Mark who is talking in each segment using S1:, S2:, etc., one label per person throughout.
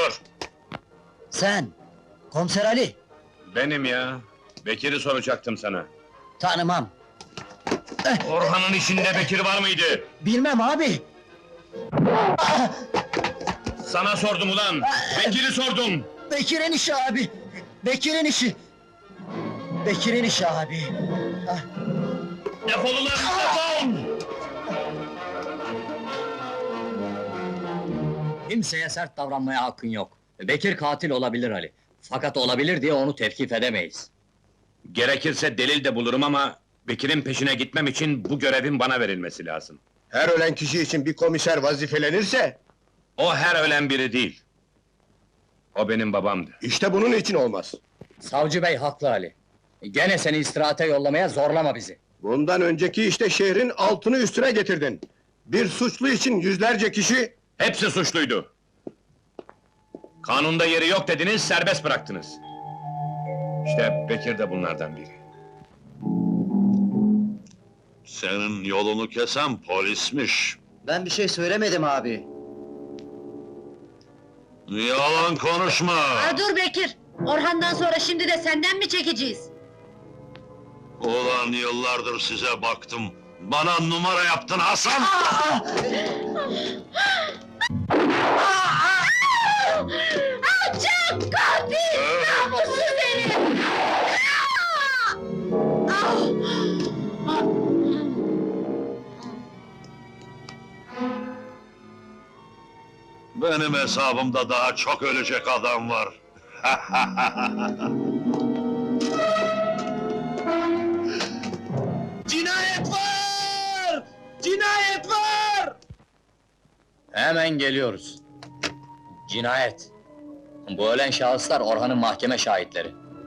S1: Dur!
S2: Sen, Komiser Ali,
S1: Benim ya. Bekir'i soracaktım sana.
S2: tanımam.
S1: Orhan'ın işinde Bekir var mıydı?
S2: Bilmem abi.
S1: Sana sordum ulan! Bekir'i sordum!
S2: Bekir'in işi abi. Bekir'in işi. Bekir'in işi abi.
S1: Defol ulan, defol!
S3: Kimseye sert davranmaya hakkın yok. Bekir katil olabilir Ali. Fakat olabilir diye onu tevkif edemeyiz.
S1: Gerekirse delil de bulurum ama... Bekir'in peşine gitmem için bu görevin bana verilmesi lazım.
S4: Her ölen kişi için bir komiser vazifelenirse...
S1: O her ölen biri değil. O benim babamdı.
S4: ...işte bunun için olmaz.
S3: Savcı bey haklı Ali. Gene seni istirahate yollamaya zorlama bizi.
S4: Bundan önceki işte şehrin altını üstüne getirdin. Bir suçlu için yüzlerce kişi...
S1: Hepsi suçluydu. Kanunda yeri yok dediniz, serbest bıraktınız. İşte Bekir de bunlardan biri.
S5: Senin yolunu kesen polismiş.
S2: Ben bir şey söylemedim abi.
S5: Yalan konuşma!
S6: Dur Bekir! Orhan'dan sonra şimdi de senden mi çekeceğiz?
S5: Ulan yıllardır size baktım. Bana numara yaptın Hasan!
S6: Alçak! Katil! Namussuz herif!
S5: Benim hesabımda daha çok ölecek adam var.
S2: Cinayet var! Cinayet var!
S3: Hemen geliyoruz. Cinayet. Bu ölen şahıslar Orhan'ın mahkeme şahitleri.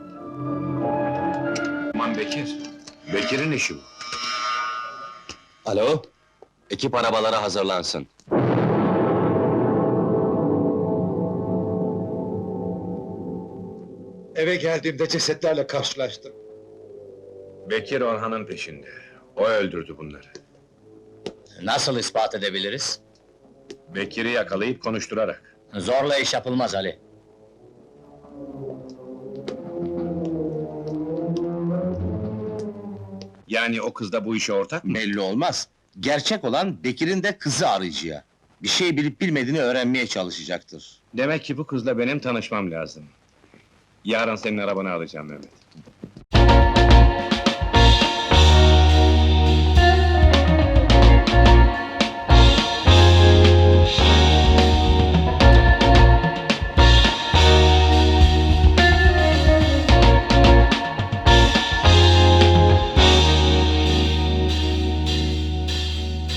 S1: Aman Bekir. Bekir'in işi bu.
S7: Alo, ekip arabalara hazırlansın.
S4: Eve geldiğimde cesetlerle karşılaştım.
S1: Bekir Orhan'ın peşinde. O öldürdü bunları.
S3: Nasıl ispat edebiliriz?
S1: Bekir'i yakalayıp konuşturarak.
S3: Zorla iş yapılmaz Ali.
S1: Yani o kız da bu işe ortak mı?
S8: Belli olmaz. Gerçek olan Bekir'in de kızı arayıcıya. Bir şey bilip bilmediğini öğrenmeye çalışacaktır.
S1: Demek ki bu kızla benim tanışmam lazım. Yarın senin arabanı alacağım Mehmet.